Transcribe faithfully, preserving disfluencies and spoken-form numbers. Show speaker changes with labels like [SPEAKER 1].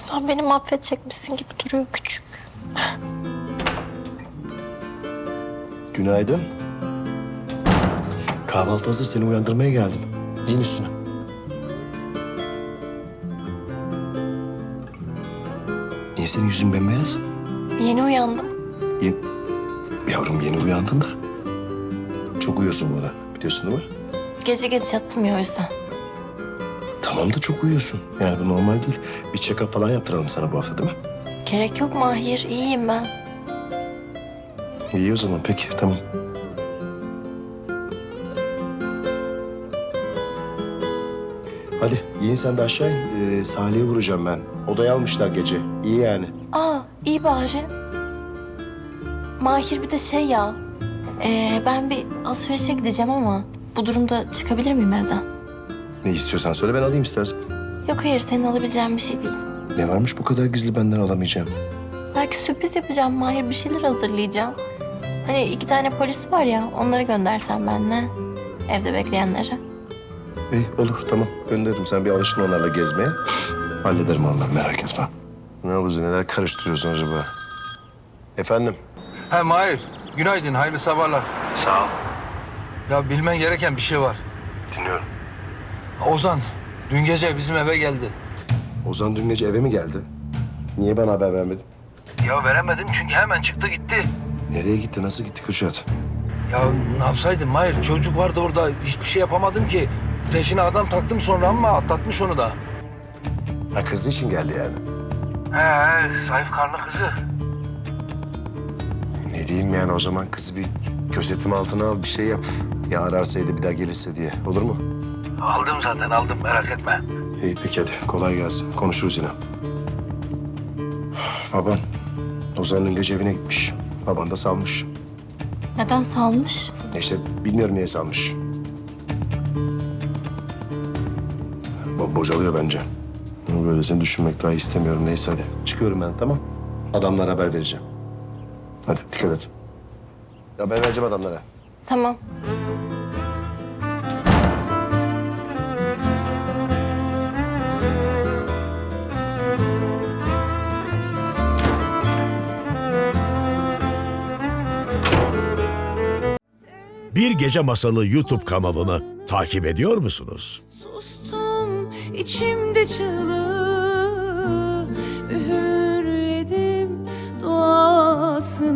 [SPEAKER 1] Sen beni mahvedecekmişsin gibi duruyor küçük.
[SPEAKER 2] Günaydın. Kahvaltı hazır. Seni uyandırmaya geldim. Giyin üstüne. Niye senin yüzün bembeyaz?
[SPEAKER 1] Yeni uyandım.
[SPEAKER 2] Yeni... Yavrum yeni uyandın da. Çok uyuyorsun bu arada. Biliyorsun değil mi?
[SPEAKER 1] Gece geç yattım ya o yüzden.
[SPEAKER 2] Tamam da çok uyuyorsun. Yani bu normal değil. Bir check-up falan yaptıralım sana bu hafta değil mi?
[SPEAKER 1] Gerek yok Mahir. İyiyim ben.
[SPEAKER 2] İyi o zaman. Peki tamam. Hadi giyin sen de aşağı in. Ee, Salih'e vuracağım ben. Odaya almışlar gece. İyi yani.
[SPEAKER 1] Aa iyi bari. Mahir bir de şey ya. ee, ben bir alışverişe gideceğim ama bu durumda çıkabilir miyim evden?
[SPEAKER 2] Ne istiyorsan söyle ben alayım istersen.
[SPEAKER 1] Yok hayır senin alabileceğin bir şey değil.
[SPEAKER 2] Ne varmış bu kadar gizli benden alamayacağım?
[SPEAKER 1] Belki sürpriz yapacağım Mahir. Bir şeyler hazırlayacağım. Hani iki tane polis var ya onları göndersen benle. Evde bekleyenlere.
[SPEAKER 2] İyi olur tamam gönderirim. Sen bir alışın onlarla gezmeye. Hallederim onları merak etme. Ne olacak neler karıştırıyorsun acaba? Efendim?
[SPEAKER 3] He Mahir, günaydın, hayırlı sabahlar.
[SPEAKER 2] Sağ ol.
[SPEAKER 3] Ya bilmen gereken bir şey var.
[SPEAKER 2] Dinliyorum.
[SPEAKER 3] Ozan, dün gece bizim eve geldi.
[SPEAKER 2] Ozan dün gece eve mi geldi? Niye bana haber vermedin?
[SPEAKER 3] Ya veremedim çünkü hemen çıktı gitti.
[SPEAKER 2] Nereye gitti? Nasıl gitti Kürşat?
[SPEAKER 3] Ya ne yapsaydım Mahir, çocuk vardı orada, hiçbir şey yapamadım ki. Peşine adam taktım sonra ama atlatmış onu da.
[SPEAKER 2] Ha kızı için geldi yani.
[SPEAKER 3] He he, zayıf karnı kızı.
[SPEAKER 2] Ne diyeyim yani o zaman kızı bir gözetim altına al bir şey yap. Ya ararsaydı bir daha gelirse diye. Olur mu?
[SPEAKER 3] Aldım zaten, aldım, merak etme.
[SPEAKER 2] İyi peki hadi kolay gelsin. Konuşuruz yine. Baban Ozan dün gece evine gitmiş. Baban da salmış.
[SPEAKER 1] Neden salmış?
[SPEAKER 2] İşte bilmiyorum niye salmış. Bo bocalıyor bence. Böylesini düşünmek daha istemiyorum. Neyse hadi. Çıkıyorum ben tamam. Adamlara haber vereceğim. Hadi dikkat et. Haber vereceğim adamlara.
[SPEAKER 1] Tamam.
[SPEAKER 4] Bir Gece Masalı YouTube kanalını takip ediyor musunuz?
[SPEAKER 5] Sustum içimde çığlığı, üğürledim duasını.